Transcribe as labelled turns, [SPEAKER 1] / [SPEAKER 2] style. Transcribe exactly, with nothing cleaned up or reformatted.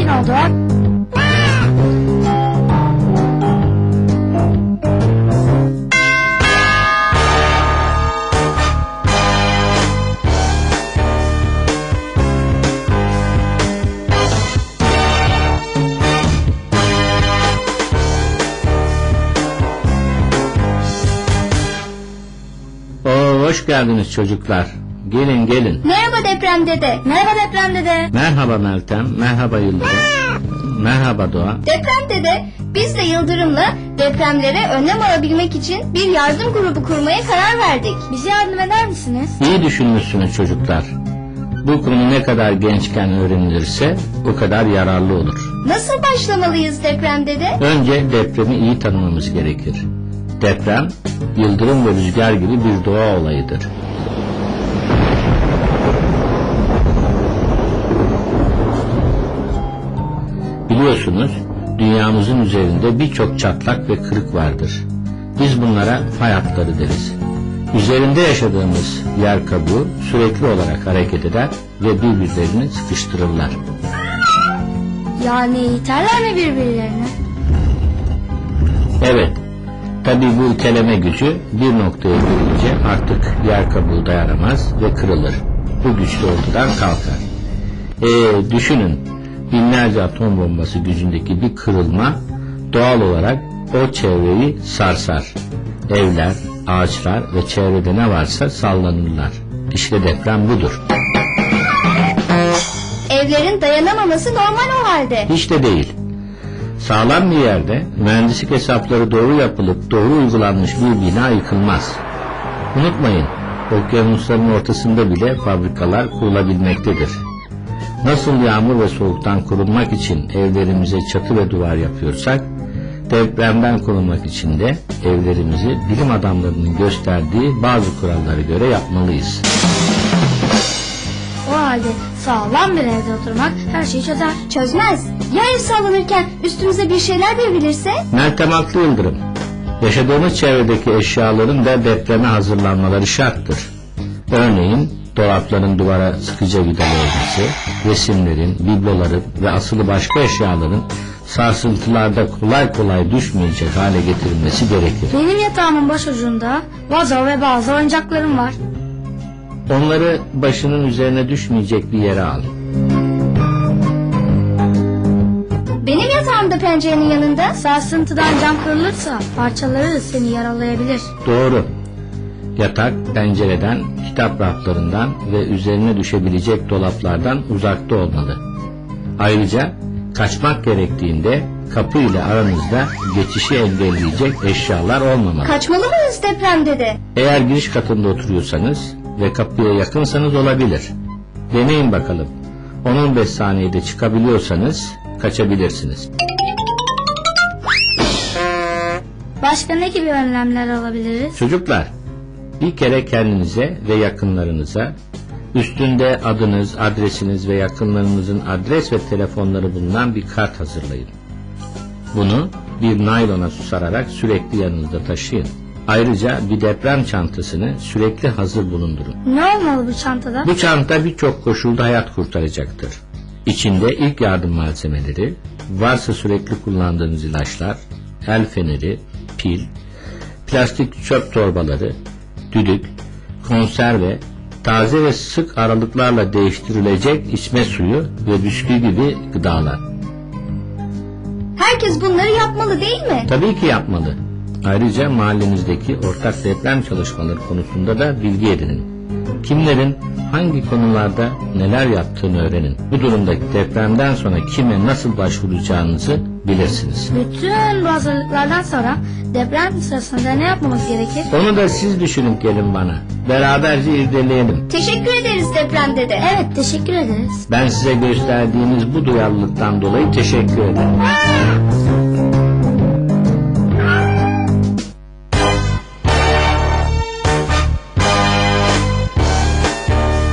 [SPEAKER 1] oldu.
[SPEAKER 2] Oo, hoş geldiniz çocuklar. Gelin gelin.
[SPEAKER 1] Merhaba deprem dede. Merhaba deprem dede.
[SPEAKER 2] Merhaba Meltem, merhaba Yıldırım. Merhaba Doğa.
[SPEAKER 1] Deprem dede, biz de Yıldırım'la depremlere önlem alabilmek için bir yardım grubu kurmaya karar verdik. Bize yardım eder misiniz?
[SPEAKER 2] İyi düşünmüşsünüz çocuklar. Bu konu ne kadar gençken öğrenilirse o kadar yararlı olur.
[SPEAKER 1] Nasıl başlamalıyız deprem dede?
[SPEAKER 2] Önce depremi iyi tanımamız gerekir. Deprem, yıldırım ve rüzgar gibi bir doğa olayıdır. Biliyorsunuz, dünyamızın üzerinde birçok çatlak ve kırık vardır. Biz bunlara fay hatları deriz. Üzerinde yaşadığımız yer kabuğu sürekli olarak hareket eder ve birbirlerini sıkıştırırlar.
[SPEAKER 1] Yani iterler mi birbirlerine?
[SPEAKER 2] Evet, tabii bu iteleme gücü bir noktaya gelince artık yer kabuğu dayanamaz ve kırılır. Bu güçlü ortadan kalkar. Ee, düşünün, binlerce atom bombası gücündeki bir kırılma doğal olarak o çevreyi sarsar. Evler, ağaçlar ve çevrede ne varsa sallanırlar. İşte deprem budur.
[SPEAKER 1] Evlerin dayanamaması normal o halde.
[SPEAKER 2] Hiç de değil. Sağlam bir yerde mühendislik hesapları doğru yapılıp doğru uygulanmış bir bina yıkılmaz. Unutmayın, okyanusların ortasında bile fabrikalar kurulabilmektedir. Nasıl yağmur ve soğuktan korunmak için evlerimize çatı ve duvar yapıyorsak, depremden korunmak için de evlerimizi bilim adamlarının gösterdiği bazı kurallara göre yapmalıyız.
[SPEAKER 1] O halde sağlam bir evde oturmak her şeyi çözer. Çözmez. Ya ev sallanırken üstümüze bir şeyler devrilirse?
[SPEAKER 2] Meltem haklı Yıldırım. Yaşadığımız çevredeki eşyaların da depreme hazırlanmaları şarttır. Örneğin dolapların duvara sıkıca vidalı olması, resimlerin, bibloların ve asılı başka eşyaların sarsıntılarda kolay kolay düşmeyecek hale getirilmesi gerekir.
[SPEAKER 1] Benim yatağımın başucunda vazo ve bazı oyuncaklarım var.
[SPEAKER 2] Onları başının üzerine düşmeyecek bir yere al.
[SPEAKER 1] Benim yatağımda pencerenin yanında. Sarsıntıdan cam kırılırsa parçaları seni yaralayabilir.
[SPEAKER 2] Doğru. Yatak pencereden, kitap raflarından ve üzerine düşebilecek dolaplardan uzakta olmalı. Ayrıca kaçmak gerektiğinde kapı ile aranızda geçişi engelleyecek eşyalar olmamalı.
[SPEAKER 1] Kaçmalı mıyız deprem dede?
[SPEAKER 2] Eğer giriş katında oturuyorsanız ve kapıya yakınsanız olabilir. Deneyin bakalım. on on beş saniyede çıkabiliyorsanız kaçabilirsiniz.
[SPEAKER 1] Başka ne gibi önlemler alabiliriz?
[SPEAKER 2] Çocuklar, bir kere kendinize ve yakınlarınıza üstünde adınız, adresiniz ve yakınlarınızın adres ve telefonları bulunan bir kart hazırlayın. Bunu bir naylona sararak sürekli yanınızda taşıyın. Ayrıca bir deprem çantasını sürekli hazır bulundurun.
[SPEAKER 1] Ne olmalı bu çantada?
[SPEAKER 2] Bu çanta birçok koşulda hayat kurtaracaktır. İçinde ilk yardım malzemeleri, varsa sürekli kullandığınız ilaçlar, el feneri, pil, plastik çöp torbaları, düdük, konserve, taze ve sık aralıklarla değiştirilecek içme suyu ve bisküvi gibi gıdalar.
[SPEAKER 1] Herkes bunları yapmalı değil mi?
[SPEAKER 2] Tabii ki yapmalı. Ayrıca mahallenizdeki ortak deprem çalışmaları konusunda da bilgi edinin. Kimlerin hangi konularda neler yaptığını öğrenin. Bu durumda depremden sonra kime nasıl başvuracağınızı bilirsiniz.
[SPEAKER 1] Bütün bu hazırlıklardan sonra deprem sırasında ne yapmamız gerekir?
[SPEAKER 2] Onu da siz düşünün gelin bana. Beraberce irdeleyelim.
[SPEAKER 1] Teşekkür ederiz deprem dede. Evet, teşekkür ederiz.
[SPEAKER 2] Ben size gösterdiğiniz bu duyarlılıktan dolayı teşekkür ederim.